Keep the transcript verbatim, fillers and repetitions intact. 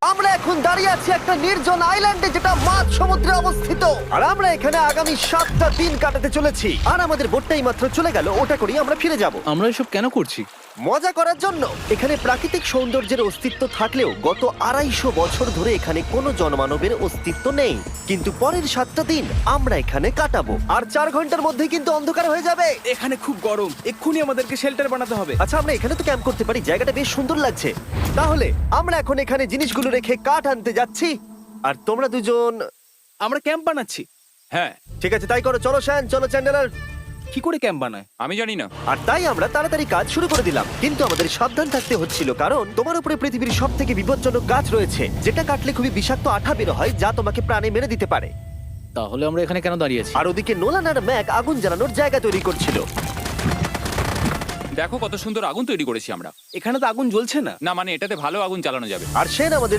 আমরা এখন দাঁড়িয়ে আছি একটা নির্জন আইল্যান্ডে যেটা মাঝ সমুদ্রে অবস্থিত, আর আমরা এখানে আগামী সাতটা দিন কাটাতে চলেছি। আর আমাদের বোটটাই মাত্র চলে গেল, ওটা করেই আমরা ফিরে যাব আমরা এসব কেন করছি? মজা করার জন্য। এখানে প্রাকৃতিক সৌন্দর্যের অস্তিত্ব থাকলেও গত আড়াইশো বছর ধরে এখানে কোনো জনমানবের অস্তিত্ব নেই। কিন্তু পরের সাতটা দিন আমরা এখানে কাটাবো, আর চার ঘন্টার মধ্যে কিন্তু অন্ধকার হয়ে যাবে। এখানে খুব গরম, এক্ষুনি আমাদেরকে শেল্টার বানাতে হবে। আচ্ছা, আমরা এখানে তো ক্যাম্প করতে পারি, জায়গাটা বেশ সুন্দর লাগছে। তাহলে আমরা এখন এখানে জিনিসগুলো রেখে কাঠ আনতে যাচ্ছি, আর তোমরা দুজন। আমরা ক্যাম্প বানাচ্ছি। হ্যাঁ, ঠিক আছে, তাই করো। চলো শ্যান, চলো চ্যান্ডেলার। কি করে ক্যাম্প বানায়? আমি জানি না। আর তাই আমরা তাড়াতাড়ি কাজ শুরু করে দিলাম, কিন্তু আমাদের সাবধান থাকতে হচ্ছিল, কারণ তোমার উপরে পৃথিবীর সব থেকে বিপজ্জনক গাছ রয়েছে, যেটা কাটলে খুবই বিষাক্ত আঠা বের হয়, যা তোমাকে প্রাণে মেরে দিতে পারে। তাহলে আমরা এখানে কেন দাঁড়িয়ে আছি? আর ওদিকে নোলান আর ম্যাক আগুন জ্বালানোর জায়গা তৈরি করছিল। দেখো কত সুন্দর আগুন তৈরি করেছি আমরা। এখানে তো আগুন জ্বলছে না। না মানে এটাতে ভালো আগুন চালানো যাবে। আর সেন আমাদের